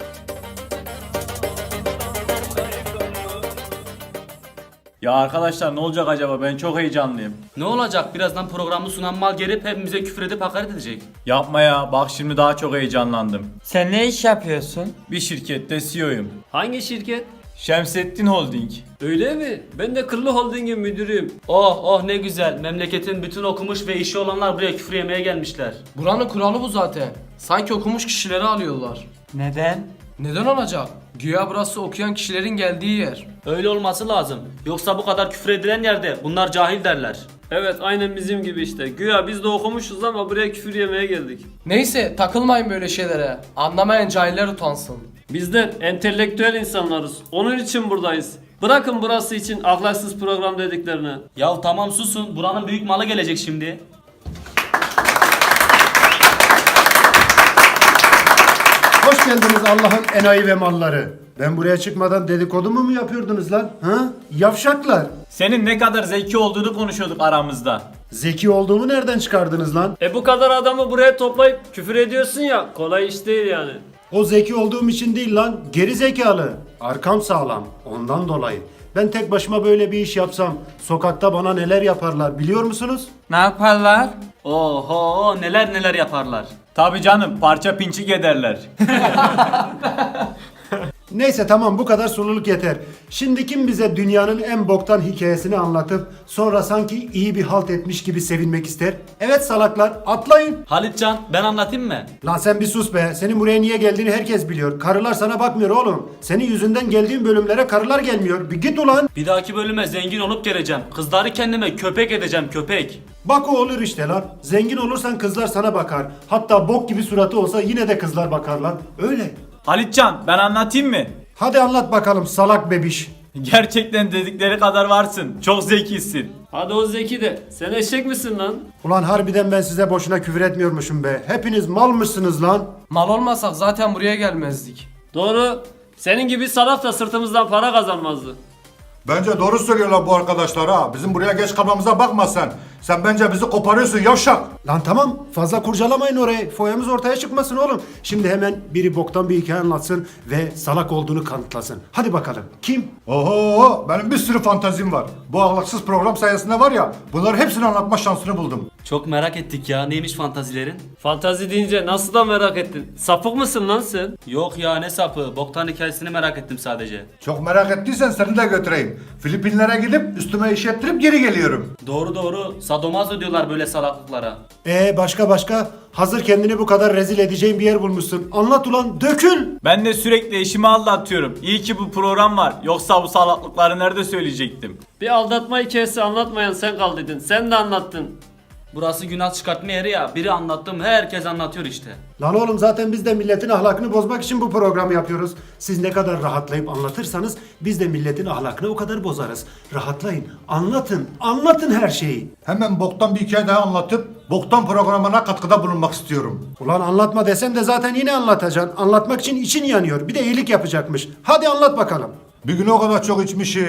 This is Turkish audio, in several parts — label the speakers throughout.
Speaker 1: Ya arkadaşlar ne olacak acaba? Ben çok heyecanlıyım.
Speaker 2: Ne olacak? Birazdan programı sunan mal gelip hepimize küfür edip hakaret edecek.
Speaker 1: Yapma ya. Bak şimdi daha çok heyecanlandım.
Speaker 3: Sen ne iş yapıyorsun?
Speaker 1: Bir şirkette CEO'yum.
Speaker 4: Hangi şirket?
Speaker 1: Şemsettin Holding.
Speaker 4: Öyle mi? Ben de Kırlı Holding'in müdürüyüm.
Speaker 2: Oh oh ne güzel. Memleketin bütün okumuş ve işi olanlar buraya küfür yemeye gelmişler.
Speaker 5: Buranın kuralı bu zaten. Sanki okumuş kişileri alıyorlar.
Speaker 3: Neden?
Speaker 5: Neden olacak? Güya burası okuyan kişilerin geldiği yer.
Speaker 2: Öyle olması lazım. Yoksa bu kadar küfür edilen yerde bunlar cahil derler.
Speaker 4: Evet, aynen bizim gibi işte. Güya biz de okumuşuz ama buraya küfür yemeye geldik.
Speaker 5: Neyse takılmayın böyle şeylere. Anlamayan cahiller utansın.
Speaker 4: Bizler entelektüel insanlarız. Onun için buradayız. Bırakın burası için ahlaksız program dediklerini.
Speaker 2: Ya tamam susun. Buranın büyük malı gelecek şimdi.
Speaker 6: Hoş geldiniz Allah'ın enayi ve malları. Ben buraya çıkmadan dedikodumu mu yapıyordunuz lan? Ha? Yavşaklar.
Speaker 1: Senin ne kadar zeki olduğunu konuşuyorduk aramızda.
Speaker 6: Zeki olduğumu nereden çıkardınız lan?
Speaker 4: Bu kadar adamı buraya toplayıp küfür ediyorsun ya, kolay iş değil yani.
Speaker 6: O zeki olduğum için değil lan. Geri zekalı. Arkam sağlam. Ondan dolayı. Ben tek başıma böyle bir iş yapsam sokakta bana neler yaparlar biliyor musunuz?
Speaker 3: Ne yaparlar?
Speaker 2: Oho neler neler yaparlar.
Speaker 1: Tabii canım, parça pinçik ederler.
Speaker 6: Neyse tamam, bu kadar sululuk yeter. Şimdi kim bize dünyanın en boktan hikayesini anlatıp sonra sanki iyi bir halt etmiş gibi sevinmek ister? Evet salaklar, atlayın.
Speaker 2: Halitcan ben anlatayım mı?
Speaker 6: Lan sen bir sus be. Senin buraya niye geldiğini herkes biliyor. Karılar sana bakmıyor oğlum. Senin yüzünden geldiğin bölümlere karılar gelmiyor. Bir git ulan.
Speaker 2: Bir dahaki bölüme zengin olup geleceğim. Kızları kendime köpek edeceğim köpek.
Speaker 6: Bak o olur işte lan. Zengin olursan kızlar sana bakar. Hatta bok gibi suratı olsa yine de kızlar bakarlar. Öyle.
Speaker 1: Halitcan, ben anlatayım mı?
Speaker 6: Hadi anlat bakalım salak bebiş.
Speaker 1: Gerçekten dedikleri kadar varsın. Çok zekisin.
Speaker 4: Hadi o Zeki de. Sen eşek misin lan?
Speaker 6: Ulan harbiden ben size boşuna küfür etmiyormuşum be. Hepiniz malmışsınız lan.
Speaker 5: Mal olmasak zaten buraya gelmezdik.
Speaker 4: Doğru. Senin gibi salaf da sırtımızdan para kazanmazdı.
Speaker 7: Bence doğru söylüyorlar bu arkadaşlar ha. Bizim buraya geç kalmamıza bakma sen. Sen bence bizi koparıyorsun yavşak.
Speaker 6: Lan tamam, fazla kurcalamayın orayı. Foyamız ortaya çıkmasın oğlum. Şimdi hemen biri boktan bir hikaye anlatsın ve salak olduğunu kanıtlasın. Hadi bakalım. Kim?
Speaker 7: Oho, benim bir sürü fantazim var. Bu ahlaksız program sayesinde var ya, bunları hepsini anlatma şansını buldum.
Speaker 2: Çok merak ettik ya. Neymiş fantazilerin?
Speaker 4: Fantazi deyince nasıl da merak ettin? Sapık mısın lan sen?
Speaker 2: Yok ya ne sapı. Boktan hikayesini merak ettim sadece.
Speaker 7: Çok merak ettiysen seni de götüreyim. Filipinlere gidip üstüme iş yaptırıp geri geliyorum.
Speaker 2: Doğru doğru. Sadomazo diyorlar böyle salaklıklara.
Speaker 6: Başka? Hazır kendini bu kadar rezil edeceğin bir yer bulmuşsun. Anlat ulan, dökül.
Speaker 1: Ben de sürekli eşimi aldatıyorum. İyi ki bu program var. Yoksa bu salaklıkları nerede söyleyecektim?
Speaker 4: Bir aldatma hikayesi anlatmayan sen kaldıydın. Sen de anlattın.
Speaker 2: Burası günah çıkartma yeri ya. Biri anlattım herkes anlatıyor işte.
Speaker 6: Lan oğlum zaten biz de milletin ahlakını bozmak için bu programı yapıyoruz. Siz ne kadar rahatlayıp anlatırsanız biz de milletin ahlakını o kadar bozarız. Rahatlayın, anlatın her şeyi.
Speaker 7: Hemen boktan bir hikaye daha anlatıp boktan programına katkıda bulunmak istiyorum.
Speaker 6: Ulan anlatma desem de zaten yine anlatacaksın. Anlatmak için için yanıyor. Bir de iyilik yapacakmış. Hadi anlat bakalım.
Speaker 7: Bir gün o kadar çok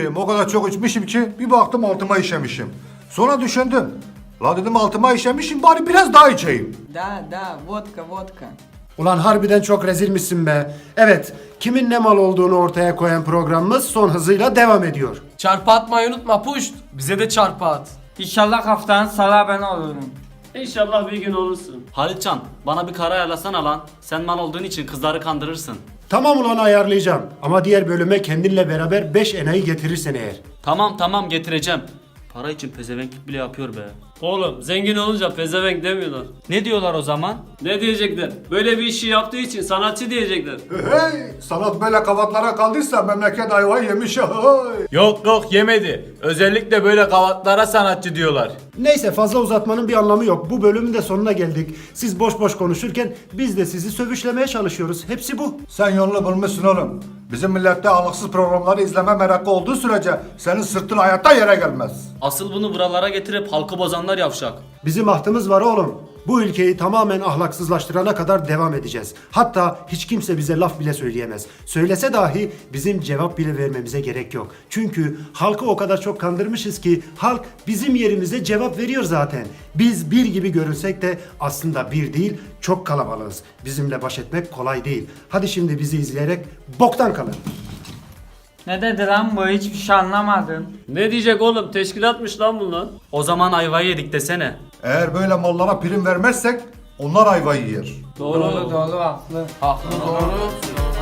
Speaker 7: içmişim ki bir baktım altıma işemişim. Sonra düşündüm. La dedim altıma işemişim, bari biraz daha içeyim.
Speaker 3: Da, vodka.
Speaker 6: Ulan harbiden çok rezilmişsin be. Evet, kimin ne mal olduğunu ortaya koyan programımız son hızıyla devam ediyor.
Speaker 5: Çarpı atmayı unutma puşt. Bize de çarpı at.
Speaker 3: İnşallah haftanın salağı ben olurum.
Speaker 4: İnşallah bir gün olursun.
Speaker 2: Halitcan bana bir kara ayarlasana lan. Sen mal olduğun için kızları kandırırsın.
Speaker 6: Tamam ulan, ayarlayacağım. Ama diğer bölüme kendinle beraber 5 enayi getirirsen eğer.
Speaker 2: Tamam getireceğim. Para için pezevenklik bile yapıyor be.
Speaker 4: Oğlum zengin olunca pezevenk demiyorlar.
Speaker 2: Ne diyorlar o zaman?
Speaker 4: Ne diyecekler? Böyle bir işi yaptığı için sanatçı diyecekler.
Speaker 7: Hey, sanat böyle kavatlara kaldıysa memleket ayvayı yemiş. Hey.
Speaker 1: Yok yemedi. Özellikle böyle kavatlara sanatçı diyorlar.
Speaker 6: Neyse, fazla uzatmanın bir anlamı yok. Bu bölümün de sonuna geldik. Siz boş boş konuşurken biz de sizi sövüşlemeye çalışıyoruz. Hepsi bu.
Speaker 7: Sen yolunu bulmuşsun oğlum. Bizim millette ahlaksız programları izleme merakı olduğu sürece senin sırtın hayatta yere gelmez.
Speaker 2: Asıl bunu buralara getirip halkı bozanlar yavşak.
Speaker 6: Bizim ahtımız var oğlum. Bu ülkeyi tamamen ahlaksızlaştırana kadar devam edeceğiz. Hatta hiç kimse bize laf bile söyleyemez. Söylese dahi bizim cevap bile vermemize gerek yok. Çünkü halkı o kadar çok kandırmışız ki halk bizim yerimize cevap veriyor zaten. Biz bir gibi görünsek de aslında bir değil, çok kalabalığız. Bizimle baş etmek kolay değil. Hadi şimdi bizi izleyerek boktan kalın.
Speaker 3: Ne dedi lan bu? Hiçbir şey anlamadım.
Speaker 4: Ne diyecek oğlum? Teşkilatmış lan bunlar.
Speaker 2: O zaman ayvayı yedik desene.
Speaker 7: Eğer böyle mallara prim vermezsek onlar ayvayı yer.
Speaker 3: Doğru haklı.
Speaker 5: Haklı doğru.